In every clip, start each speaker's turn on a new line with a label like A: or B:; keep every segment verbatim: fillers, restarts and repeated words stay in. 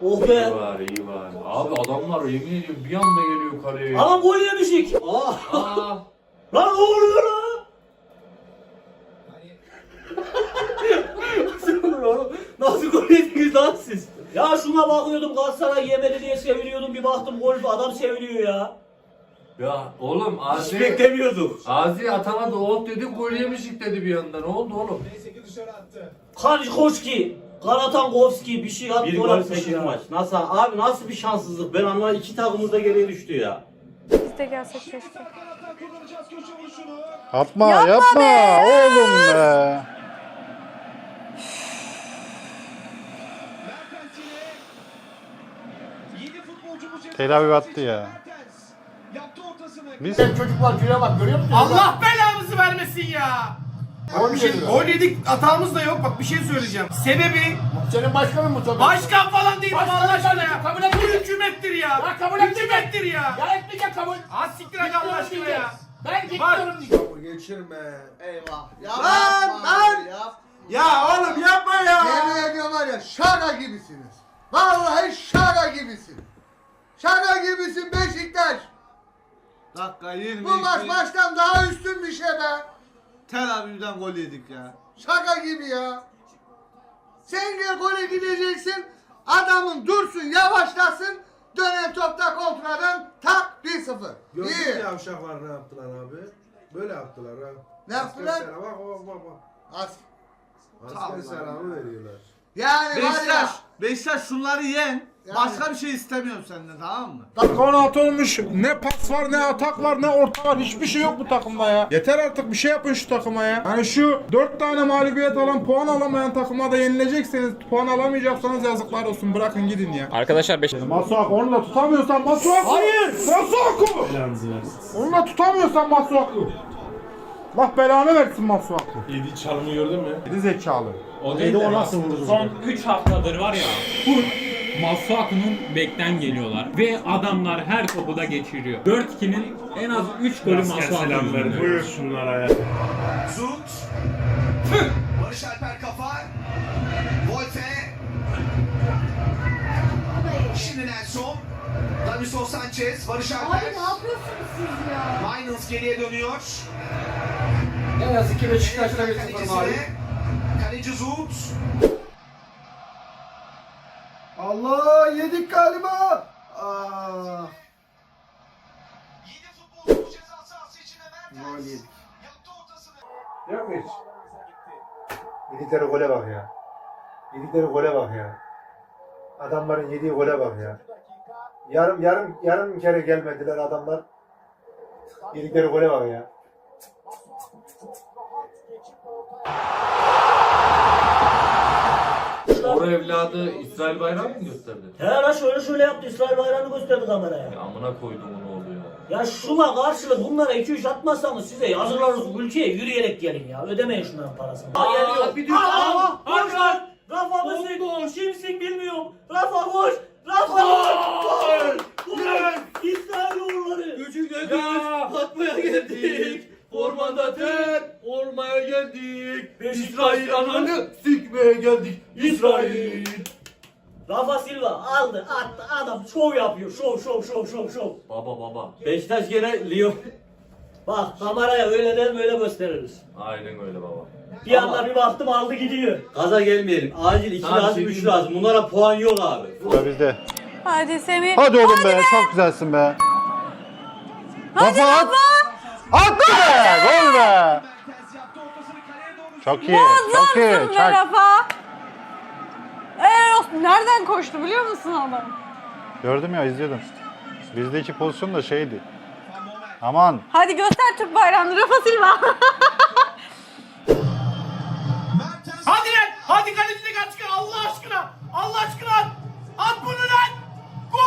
A: Oh be.
B: İyi var, iyi var. Abi adamlar yemin ediyorum bir anda geliyor kaleye.
A: Adam gol yemişik. Aa.
B: Aa.
A: Lan ne oluyor lan? Nasıl gol yediniz lan siz? Ya şuna bakıyordum Galatasaray yemedi diye seviniyordum, bir baktım gol, adam seviniyor ya.
B: Ya oğlum
A: Hiç
B: Azi...
A: beklemiyorduk.
B: Azi atamadı, oh dedi, gol yemişik dedi bir anda. Ne oldu oğlum?
A: Kanikoşki, Karatankovski bir şey at,
C: Bir
A: gol
C: gol
A: atmış
C: sekiz
A: ya.
C: maç. Nasıl abi, nasıl bir şanssızlık? Ben anlamadım, iki takımımız da geriye düştü ya.
D: Biz de gelsek keşke.
E: Yapma
D: Yapma
E: yapma,
D: be!
E: oğlum be. Tel Aviv attı ya. Biz
F: Çocuklar şuraya bak, görüyor musun?
G: Allah belamızı vermesin ya. Bak bir şey, gol yedik, hatamız da yok. Bak bir şey söyleyeceğim. Sebebi
F: Senin başkanın mı tabii?
G: başkan falan değil
F: Başkan
G: Allah aşkına
F: değil,
G: ya.
F: kabul
G: Bu
F: etmeyeceğim.
G: hükümettir ya.
F: Ya kabul etmeyeceğim.
G: Hükümettir ya.
F: Ya etmeyecek kabul.
G: Az siktir hadi Allah aşkına ya.
F: Ben gitmiyorum diyeceğim.
H: Geçirme. Eyvah. Ya
F: Lan,
H: yapma
F: lan!
H: abi, yap.
F: Ya oğlum yapma ya.
H: Yemin ediyorum var ya, şaka gibisiniz. Vallahi şaka gibisin. Şaka gibisin Beşiktaş.
I: Dakika yirmi.
H: Bu maç maçtan daha üstün bir şey be.
I: Tel Aviv'den gol yedik ya.
H: Şaka gibi ya. Sen gel gole gideceksin. Adamın dursun, yavaşlasın. Dönen topta kontradan tak bir sıfır.
J: Gördün mü
H: İyi.
J: yavşaklar ne yaptılar abi? Böyle yaptılar ha.
H: Ne yaptılar?
J: Asker selamı, bak bak bak.
H: As-
J: Asker selamı veriyorlar.
H: Yani var ya.
I: Beşiktaş, Beşiktaş şunları yen.
H: Yani.
I: Başka bir şey istemiyorum senden, tamam mı?
E: kanat olmuş, ne pas var, ne atak var, ne orta var, hiçbir şey yok bu takımda ya. Yeter artık, bir şey yapın şu takıma ya. Hani şu dört tane mağlubiyet alan, puan alamayan takıma da yenilecekseniz, puan alamayacaksanız yazıklar olsun, bırakın gidin ya.
K: Arkadaşlar beş...
E: Masuaku, onu da tutamıyorsan Masuaku. Hayır! Masuaku! Onu da tutamıyorsan Masuaku. Allah belanı versin Masuaku.
J: Yedi çalımı gördün mü?
E: Geri zekalı.
C: O değil de nasıl vurdu?
K: Son üç haftadır var ya, full Masuaku'nun bekten geliyorlar ve adamlar her topu da geçiriyor. dört ikinin en az üç golü Masuaku'nun.
J: Buyur şunlara ya.
F: Zut. Barış Alper kafa. Volte. Şimdi Nelson. Davinson Sanchez. Barış Alper.
D: Abi ne yapıyorsunuz siz ya?
F: Mainz geriye dönüyor.
H: Ne yazık ki Beşiktaş'ta bir sıfır
F: Kalecisine.
H: mağlup.
F: Kaleci Zut.
H: Allah, yedik galiba. Aa.
F: Yedi futbolcu ceza sahası içinde Mertens.
H: Gol yedik.
F: Yaptı ortasını.
J: Yok mu hiç? Yedikleri gole bak ya. Yedikleri gole bak ya. Adamların yediği gole bak ya. Yarım yarım yarım kere gelmediler adamlar. Yedikleri gole bak ya.
B: Or evladı İsrail bayrağı mı gösterdi?
A: He lan şöyle şöyle yaptı, İsrail bayrağını gösterdi kameraya.
B: Ya amına koydum onu oluyor.
A: Ya şuna karşılık bunlara iki üç atmazsanız size yazılarınız ülkeye yürüyerek gelin ya. Ödemeyin şunların parasını. Aa, geliyor.
B: bir düş-
A: Aa,
B: Aa,
A: koş lan. Rafa mısın? Kimsin bilmiyorum. Rafa koş. Rafa koş. Gol. Gol. İsrail uğurları.
B: Gücüne güç, atmaya geldik. Ormanda ter, olmaya geldik. İsrail ananı sikmeye geldik. İsrail.
A: Rafa Silva aldı attı, adam şov yapıyor. Şov şov şov şov şov.
B: Baba baba.
C: Beşiktaş gene Lyon.
A: Bak kameraya öyle der böyle gösteririz.
B: Aynen öyle baba.
A: Bir anda bir baktım aldı gidiyor.
C: Gaza gelmeyelim. Acil iki
B: Tamam,
C: lazım,
B: şey
C: üç
B: diyeyim.
C: lazım. Bunlara puan yok abi.
E: Ya bizde.
D: Hadi Semih.
E: Hadi oğlum be, çok güzelsin be.
D: Hadi
E: Rafa at.
D: Rafa.
E: Attı be, gol be.
F: Mertens yaptı ortasını kaleye doğru.
E: Çok iyi, çok iyi.
D: Muazzamsın be
E: Çak.
D: Rafa. Eee olsun, nereden koştu biliyor musun adam?
E: Gördüm ya, izliyordum. Bizdeki pozisyon da şeydi. Aman.
D: Hadi göster Türk bayrağını Rafa Silva.
F: Mertens.
G: Hadi lan. Hadi kalecide kaç çıkar Allah aşkına. Allah aşkına at. At bunu lan. Gol.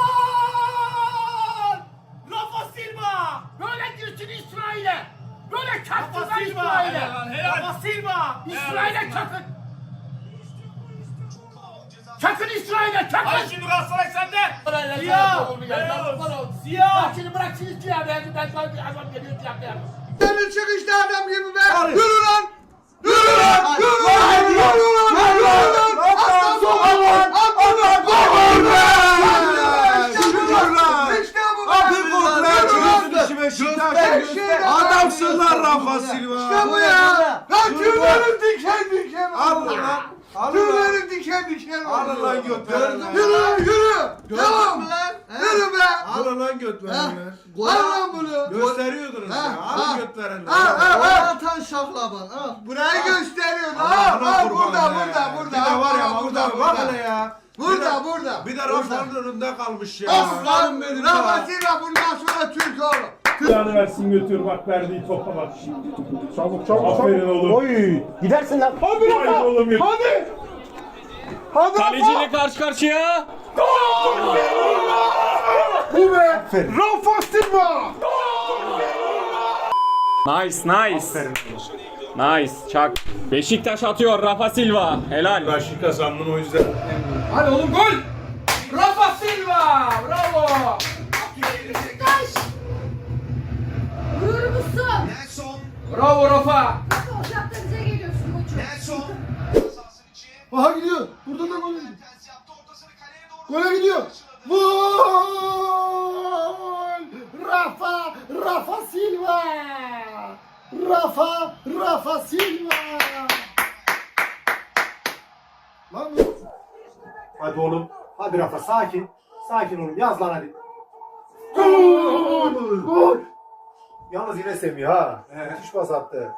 G: Rafa Silva. Böyle girsin İsrail'e. Böyle çaktırlar İsrail'e. Rafa Silva. İsrail'e çakın. Çakın İsrail'e çakın. Hadi şimdi Galatasaray sende. Siyah. Siyah.
F: Şimdi bırak şimdi siyah. Ben ben ben bir adam geliyor siyah siyah. Senin çıkışta adam gibi be. Yürü lan. Yürü lan. Yürü lan. Yürü lan. Yürü lan. Aslan sokağa lan. At lan.
I: Beşiktaş.
H: Her şeyde
I: Adamsın lan Rafa Silva.
H: İşte bu ya. Lan tüylerim diken diken.
I: Al lan. Al lan.
H: Tüylerim diken diken.
I: Al lan göt veren lan.
H: Yürü yürü.
I: Gördün
H: Tamam.
I: mü lan?
H: Yürü be.
I: Al lan göt verenler.
H: Al lan bunu.
I: Gösteriyordunuz
H: Ha,
I: ya.
H: ha.
I: Al göt verenler.
H: Al al
I: Gol
H: al.
I: atan şaklaban. Al.
H: Burayı gösteriyor. Al
I: Allah'ına
H: al
I: kurban
H: burada
I: be.
H: burada burada.
I: Bir de var ya
H: Al,
I: burada bak hele ya.
H: Burada burada.
I: Bir de Rafa'nın önünde kalmış ya.
H: Aslanım benim. Rafat'ıyla bundan sonra Türk oğlum.
F: Yani versin götür bak verdiği topa bak.
E: Çabuk çabuk
F: Aferin
E: çabuk.
F: oğlum.
E: Oy.
C: Gidersin lan.
E: Hadi
F: Haydi
E: Rafa.
F: oğlum ya.
E: Hadi. Hadi Rafa.
K: Kaleciyle karşı karşıya.
E: Bu be. Rafa Silva.
K: Nice nice. Nice çak. Beşiktaş atıyor Rafa Silva. Helal.
F: Raşit kazandın o yüzden.
G: Hadi oğlum gol. Rafa Silva. Bravo.
L: Gurur musun?
G: Bravo Rafa.
L: Nasıl ocakta bize geliyorsun koçum?
H: Aha gidiyor. Burada da gol gidiyor. Gole gidiyor. Gol! Rafa, Rafa Silva. Rafa, Rafa Silva. Lan bu.
J: Hadi oğlum. Hadi Rafa sakin. Sakin oğlum. Yaz lan hadi.
H: Gol! Gol!
J: Yalnız yine Semih ha. Müthiş pas attı.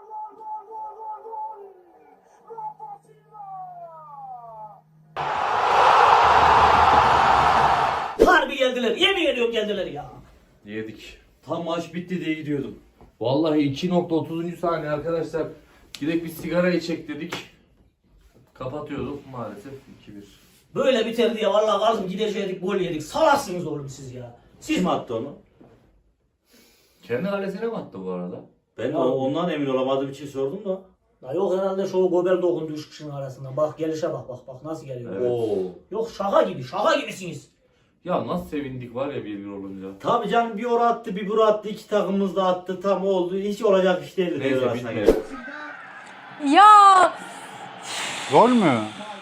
A: Harbi geldiler. Yemin ediyorum geldiler ya.
B: Yedik.
C: Tam maç bitti diye gidiyordum.
B: Vallahi iki nokta otuzuncu saniye arkadaşlar. Gidip bir sigara içecek dedik. Kapatıyorduk maalesef iki bir.
A: Böyle biter diye vallahi kaldım gidecektik gol yedik. Salarsınız oğlum siz ya. Siz
C: Kim attı onu?
B: Kendi kalesine mi attı bu arada?
C: Ben o- ondan emin olamadığım için sordum da.
A: Ya yok herhalde şu Gobel dokundu üç kişinin arasından. Bak gelişe bak bak bak nasıl geliyor.
B: Evet.
C: Oo.
A: Yok şaka gibi şaka gibisiniz.
B: Ya nasıl sevindik var ya bir bir olunca.
C: Tabii canım bir ora attı bir bura attı iki takımımız da attı tam oldu hiç olacak iş değildi.
B: Neyse,
C: devre arasına
B: bitti.
C: geldi.
D: Ya
E: Gol mü?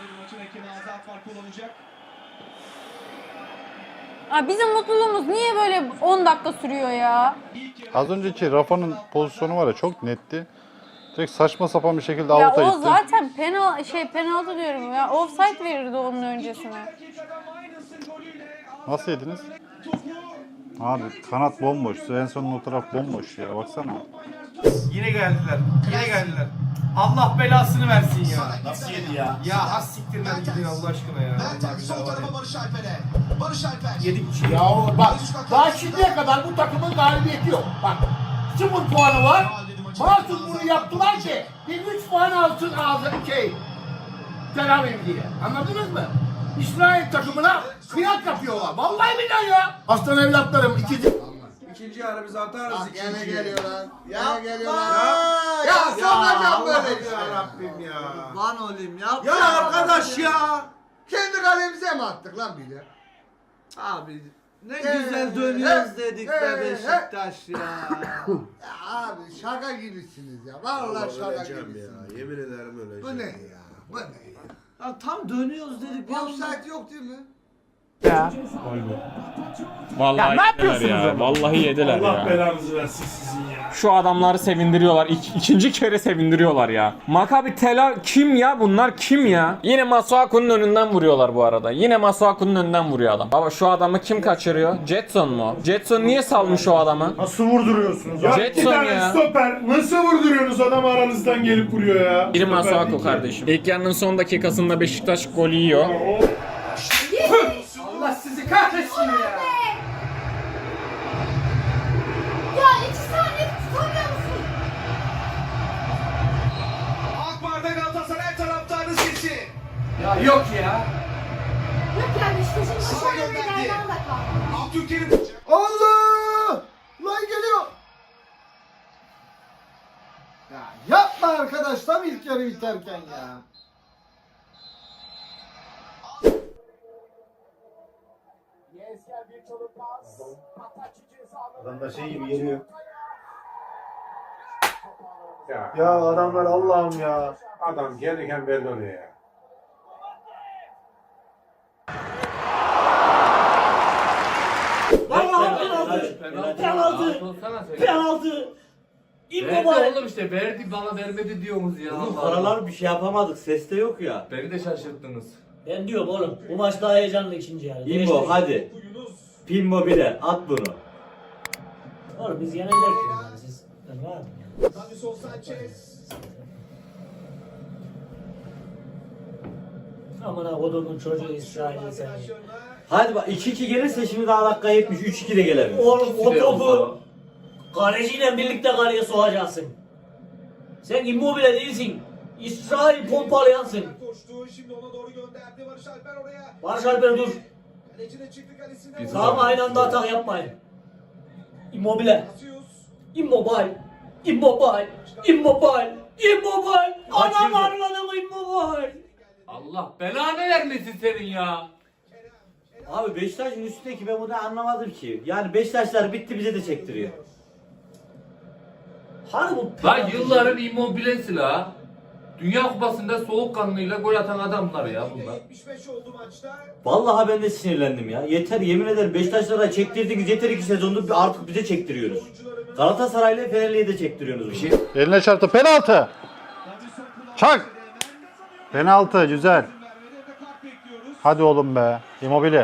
D: Aa, bizim mutluluğumuz niye böyle on dakika sürüyor ya?
E: Az önceki Rafa'nın pozisyonu var ya çok netti. Direkt saçma sapan bir şekilde
D: Ya
E: avuta
D: o
E: gitti.
D: zaten penal şey penaltı diyorum ya. Offside verirdi onun öncesine.
E: Nasıl yediniz? Abi kanat bomboş. Svensson'un o taraf bomboş ya. Baksana.
G: Yine geldiler. Yine geldiler. Allah belasını versin ya. Nasıl yedi ya? Ya has siktirler gidin Allah aşkına ya. Allah güzel var ya.
F: Barış Alper'e. Barış Alper.
G: Yedik bir şey.
F: Ya bak daha şimdiye kadar bu takımın galibiyeti yok. Bak sıfır puanı var. Mahsus bunu yaptılar ki bir üç puan alsın ağzı şey. Tel Aviv diye. Anladınız mı? İsrail takımına kıyak yapıyorlar. Vallahi billahi ya. Aslan evlatlarım ikinci.
I: İkinci yarı biz atarız.
H: Gene geliyor lan.
I: Ya
H: Gene geliyor lan.
I: Ya,
H: Ya sokacağım böyle
I: Allah'ım
H: işte.
I: ya Rabbim ya.
C: Lan oğlum ya.
I: Ya arkadaş ya.
H: Kendi kalemize mi attık lan bile?
I: Abi ne
H: Ee,
I: güzel dönüyoruz
H: he,
I: dedik
H: he,
I: be
H: he.
I: Beşiktaş ya.
H: Ya abi şaka gibisiniz ya. Vallahi şaka
I: öleceğim
H: gibisiniz.
I: ya. Yemin ederim öleceğim.
H: Bu ne ya? Bu ne ya?
I: Ya tam dönüyoruz dedik. bir anda-
H: Offside yok değil mi?
K: Vallahi yediler ya. Vallahi yediler
F: Allah
K: ya.
F: belanızı versin sizin ya.
K: Şu adamları sevindiriyorlar. İk, ikinci kere sevindiriyorlar ya. Maccabi Tel Aviv kim ya bunlar kim ya? Yine Masuaku'nun önünden vuruyorlar bu arada. Yine Masuaku'nun önünden vuruyor adam. Baba şu adamı kim kaçırıyor? Jetson mu? Jetson niye salmış o adamı?
F: Nasıl vurduruyorsunuz? Ya iki
K: Jetson
F: tane
K: ya.
F: stoper nasıl vurduruyorsunuz adam aranızdan gelip vuruyor ya.
K: Biri
F: Stoper
K: Masuaku
F: değil ki.
K: kardeşim. İlk yarının son dakikasında Beşiktaş golü yiyor.
G: Allah sizi kahretsin ya.
L: Ya iki saniye tutamıyor musun?
F: Akbar'da Galatasaray taraftarı sesi.
G: Ya yok ya.
L: Yok yani işte şimdi aşağıya bir yerden de kaldı.
F: Abdülkerim.
H: Allah! Lan geliyor. Ya yapma arkadaş tam ilk yarı biterken ya.
J: Adamlar şey gibi geliyor. Ya, ya adamlar Allah'ım ya. Adam gelirken belli oluyor ya.
A: Vallahi Penaltı.
B: Penaltı.
A: Penaltı.
B: Rahat olsana sen.
A: Penaltı.
B: Verdi
A: İmmobile.
B: oğlum işte verdi bana vermedi diyorsunuz ya.
C: Oğlum
B: Allah Allah.
C: paralar bir şey yapamadık. Ses de yok ya.
B: Beni de şaşırttınız.
A: Ben diyorum oğlum bu maç daha heyecanlı ikinci yarı.
C: İmmo
A: Değiştir.
C: hadi. Pimmo bile at bunu.
A: Oğlum biz yenecek yani siz. Ben var mı? Amına kodumun çocuğu İsrail'i seni.
C: Hadi bak iki iki gelirse şimdi daha dakika yetmiş. üç iki de gelemez.
A: Oğlum o
B: İkisi de
A: topu
B: olsa.
A: kaleciyle birlikte kaleye sokacaksın. Sen Immobile değilsin. İsrail pompalayansın. Barış Alper dur.
B: Biz
A: Tamam aynı anda atak yapmayın. Immobile. Immobile. Immobile. Immobile. Immobile. Anam arladım Immobile.
B: Allah belanı vermesin senin ya.
C: Abi Beşiktaş'ın üstündeki ben bunu anlamadım ki. Yani Beşiktaşlar bitti bize de çektiriyor.
A: Hani bu
B: Lan yılların immobilesi la. Dünya Kupası'nda soğukkanlıyla gol atan adamlar ya bunlar.
C: Vallahi ben de sinirlendim ya. Yeter yemin ederim Beşiktaşlara çektirdiniz yeter iki sezondur artık bize çektiriyoruz. Galatasaray'la Fenerli'ye de çektiriyorsunuz.
B: Bir şey
E: Eline çarptı. Penaltı. Çak. Penaltı güzel. Hadi oğlum be. Immobile.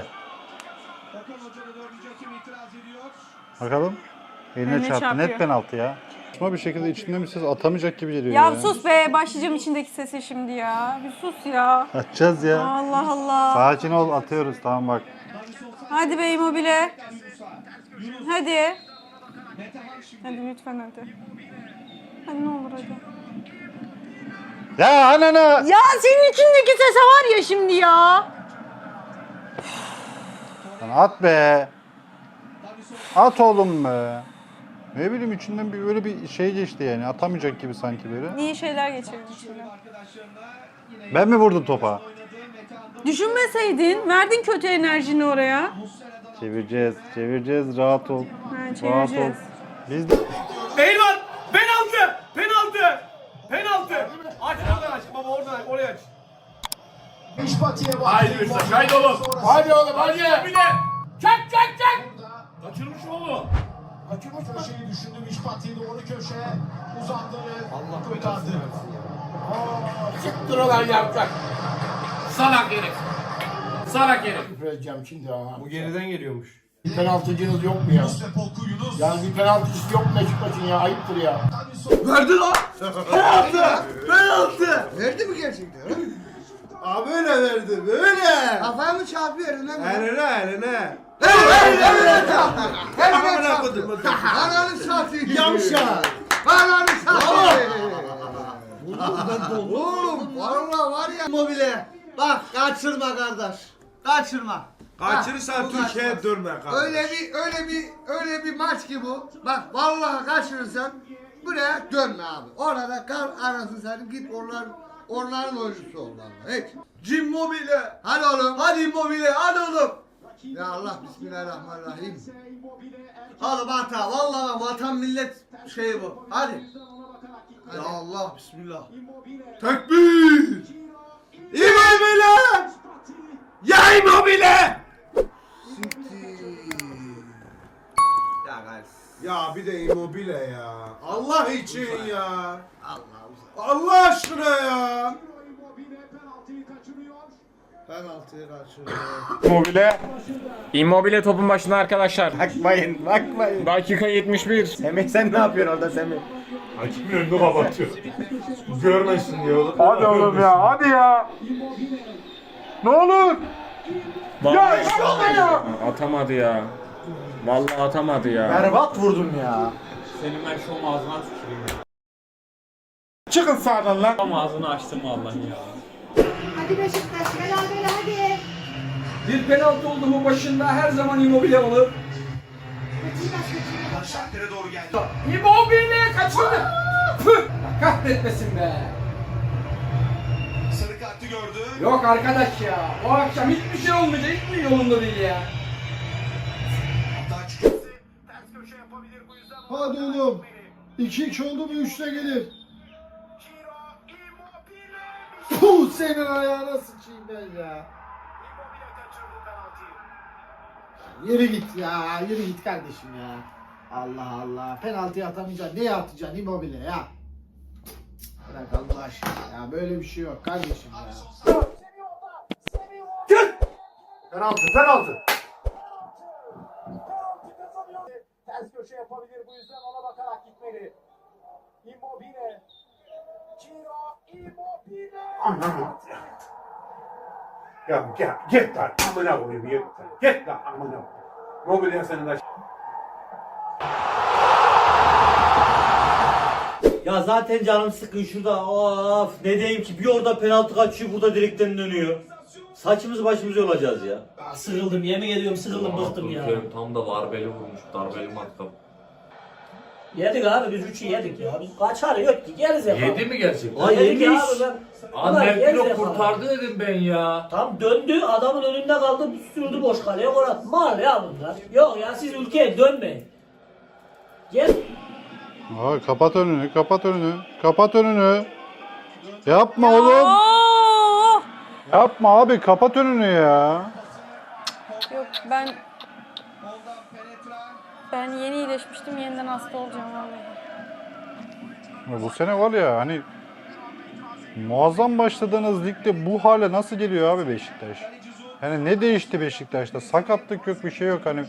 E: Bakalım. Eline
D: Eline
E: çarptı.
D: çarpıyor.
E: Net penaltı ya. Saçma bir şekilde içinden bir ses atamayacak gibi geliyor
D: Ya
E: ya.
D: sus be, başlayacağım içindeki sesi şimdi ya. Bir sus ya.
E: Atacağız ya.
D: Allah Allah.
E: Sakin ol, atıyoruz, tamam bak.
D: Hadi be Immobile. Hadi. Hadi lütfen hadi. Hadi ne olur hadi.
E: Ya anana.
D: Ya senin içindeki sese var ya şimdi ya.
E: Lan at be. At oğlum be. Ne bileyim içinden bir böyle bir şey geçti yani. Atamayacak gibi sanki böyle.
D: İyi şeyler geçirdin içinde.
E: Ben mi vurdum topa?
D: Düşünmeseydin, verdin kötü enerjini oraya.
E: Çevireceğiz, çevireceğiz. Rahat ol.
D: Ha,
E: Rahat ol.
D: çevireceğiz.
E: Biz de...
G: Eyvah! Penaltı! Penaltı! Penaltı! Aç oradan aç baba oradan aç oraya aç. Haydi Beşiktaş haydi oğlum.
F: Hadi oğlum hadi.
G: Bir de. Çak çak çak. Kaçırmış oğlum.
F: Kaçırmış mı?
M: Köşeyi düşündü Mişpati'ye doğru köşe uzandı ve
G: Allah
M: kurtardı.
F: Çıktır olan yapacak.
G: Salak herif. Salak herif.
F: Küfür edeceğim şimdi ha.
G: Bu geriden geliyormuş.
F: Bir penaltıcınız yok mu ya?
M: Yusuf Oku Yunus.
F: Yani bir penaltıcısı yok mu Beşiktaş'ın ya? Ayıptır ya.
H: Verdi lan. Penaltı. Penaltı. Verdi mi gerçekten?
I: Abi böyle verdi böyle.
H: Kafaya mı çarpıyor eline mi?
I: Eline eline.
H: Eline çarptı. Eline
I: Amına
H: çarptı.
I: koydum.
H: Ananı satayım.
I: Yavşak.
H: Ananı satayım. Oğlum valla var ya. Immobile. Bak kaçırma kardeş. Kaçırma.
I: Kaçırırsan
H: Bak, bu
I: Türkiye'ye
H: kaçmaz.
I: dönme kardeş.
H: Öyle bir öyle bir öyle bir maç ki bu. Bak vallahi kaçırırsan buraya dönme abi. Orada kal arasın sen git onlar onların oyuncusu ol vallahi. Hiç. Immobile. Hadi oğlum. Hadi Immobile. Hadi oğlum. Ya Allah bismillahirrahmanirrahim. Oğlum hata. Vallahi vatan millet şeyi bu. Hadi. Ya Allah bismillah. Tekbir. Immobile.
I: Ya Immobile.
H: Ya guys.
I: Ya bir de Immobile ya. Allah için ya.
H: Allah
I: Allah aşkına ya.
H: penaltıyı kaçırıyor.
K: Immobile. Immobile topun başında arkadaşlar.
I: Bakmayın bakmayın.
K: Dakika yetmiş bir.
I: Semih sen ne yapıyorsun orada Semih? Hakimin önünü kapatıyor. Görmesin diye oğlum.
E: Hadi oğlum ya, hadi ya. Ne olur. Ya işte ya.
K: Atamadı ya. Vallahi atamadı ya.
I: Berbat vurdum ya.
K: Senin ben şu ağzına tüküreyim ya.
E: Çıkın sağdan lan.
K: Tam ağzını açtım vallahi ya.
L: Hadi Beşiktaş beraber hadi.
G: Bir penaltı oldu mu başında her zaman Immobile olur.
L: Beşiktaş Beşiktaş.
M: Başaklar'a doğru geldi.
G: Immobile kaçırdı. Püh! Kahretmesin be.
M: Sarı kartı gördü.
G: Yok arkadaş ya. O akşam hiçbir şey olmayacak. Hiçbir yolunda değil ya.
M: Hatta çıkıyor. Ters köşe yapabilir bu yüzden.
H: Hadi oğlum. iki iki oldu mu üçte gelir. Puh senin ayağına sıçayım ben ya.
F: Yürü git ya. Yürü git kardeşim ya. Allah Allah. Penaltıyı atamayacaksın. Neye atacaksın Immobile ya? Bırak Allah aşkına ya. Böyle bir şey yok kardeşim ya.
J: Git! Penaltı, penaltı.
M: Ters köşe yapabilir, bu yüzden ona bakarak gitmeli. Immobile. Ciro Immobile.
J: Anam. Ya gel, git lan. Amına koyayım, git lan. Git lan, amına koyayım. Mobilya senin de...
C: Ya zaten canım sıkın şurada. Of ne diyeyim ki, bir orada penaltı kaçıyor, burada direkten dönüyor. Saçımız başımız yolacağız ya.
A: Sıkıldım, yemin ediyorum sıkıldım, bıktım ya.
B: Tam da darbeli vurmuş. Darbeli matkap.
A: Yedik abi, biz üçü yedik ya. Biz kaçar yok ki, geriz ya.
B: Yedi mi gerçekten?
C: Ay
A: Yedik
C: yemiş.
A: abi ben.
B: Annem
A: Geriz
B: kilo
A: ya.
B: kurtardı dedim ben ya.
A: Tam döndü, adamın önünde kaldı, sürdü boş kaleye, gol attı. Mal ya bunlar. Yok ya, siz ülkeye dönmeyin. Gel.
E: Abi kapat önünü, kapat önünü, kapat önünü. Yapma oğlum.
D: Aa!
E: Yapma abi, kapat önünü ya.
D: Yok ben ben yeni iyileşmiştim, yeniden hasta olacağım vallahi.
E: Ya bu sene var ya hani muazzam başladığınız ligde bu hale nasıl geliyor abi Beşiktaş? Hani ne değişti Beşiktaş'ta? Sakatlık yok, bir şey yok hani.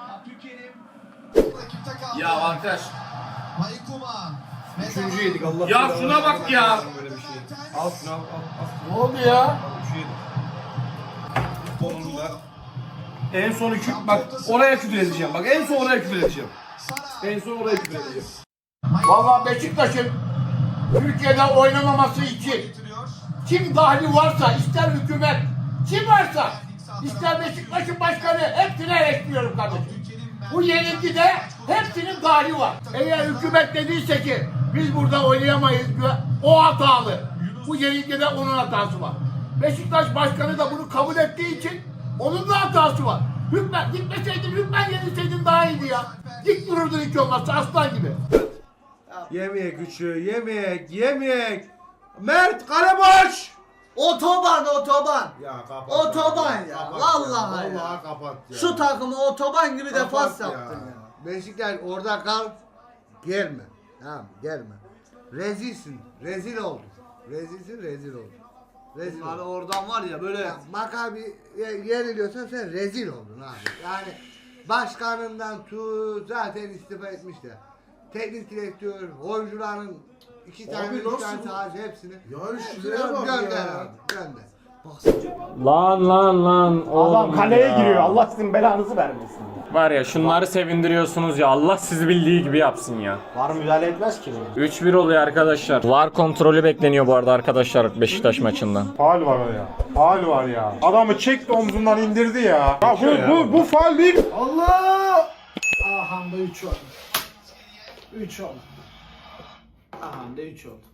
G: Ya arkadaş.
M: Maykuman.
G: Üçüncü yedik Allah.
K: Ya şuna bak ya.
G: Böyle bir şey. Al şunu al al. al.
F: Ne oldu ya?
G: Üçü yedik. Sonunda. En son iki, bak oraya küfür edeceğim. Bak en son oraya küfür edeceğim. En son oraya küfür edeceğim.
F: Vallahi Beşiktaş'ın Türkiye'de oynamaması için kim dahli varsa, ister hükümet, kim varsa, ister Beşiktaş'ın başkanı, hepsini eleştiriyorum kardeşim. Bu yenilgide hepsinin dahli var. Eğer hükümet dediyse ki biz burada oynayamayız, o hatalı. Bu yenilgide onun hatası var. Beşiktaş başkanı da bunu kabul ettiği için onun da hatası var. Hükmen, gitmeseydin, hükmen yenilseydin daha iyiydi ya. Dik dururdun hiç olmazsa aslan gibi.
G: Yemek üçü, yemek, yemek. Mert kale boş.
H: Otoban, otoban.
J: Ya kapat.
H: Otoban ya,
J: Kapat
H: vallahi ya.
J: Vallahi kapat ya.
H: Şu takımı otoban gibi
J: Kapat
H: defans
J: ya.
H: yaptın ya. Beşiktaş orada kal. Gelme. Tamam gelme. Rezilsin. Rezil oldun. Rezilsin, rezil oldun. Rezil
G: Bunlar
H: oldun.
G: oradan var ya böyle.
H: Ya, Makabi yeniliyorsan sen rezil oldun abi. Yani başkanından tut zaten istifa etmişler. Teknik direktör, oyuncuların iki tane,
J: Abi
H: üç
J: nasıl
H: tane
J: bu?
H: sadece hepsini.
J: Yani
H: hepsini
J: şuraya bak
H: gönder
J: ya.
H: abi. Gönder.
K: Lan lan lan oğlum
F: Adam kaleye
K: ya.
F: giriyor. Allah sizin belanızı vermesin.
K: Var ya şunları sevindiriyorsunuz ya, Allah sizi bildiği gibi yapsın ya.
F: Var müdahale etmez ki.
K: üç bir oluyor arkadaşlar. V A R kontrolü bekleniyor bu arada arkadaşlar Beşiktaş maçından.
E: Faul var ya. Faul var ya. Adamı çekti omzundan indirdi ya. Ya bu bu bu faul değil.
F: Allah! Aha da üç oldu. üç oldu. Aha da üç oldu.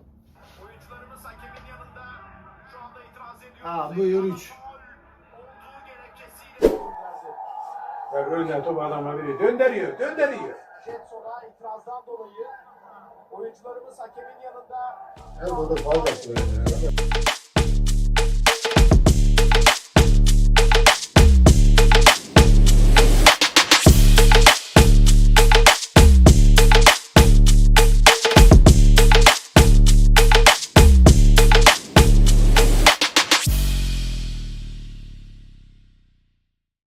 F: Aa buyur üç.
J: Ya önden top adamla biri döndürüyor, döndürüyor.
M: Jetson'a itirazdan dolayı oyuncularımız hakemin yanında
J: Her burada fazla.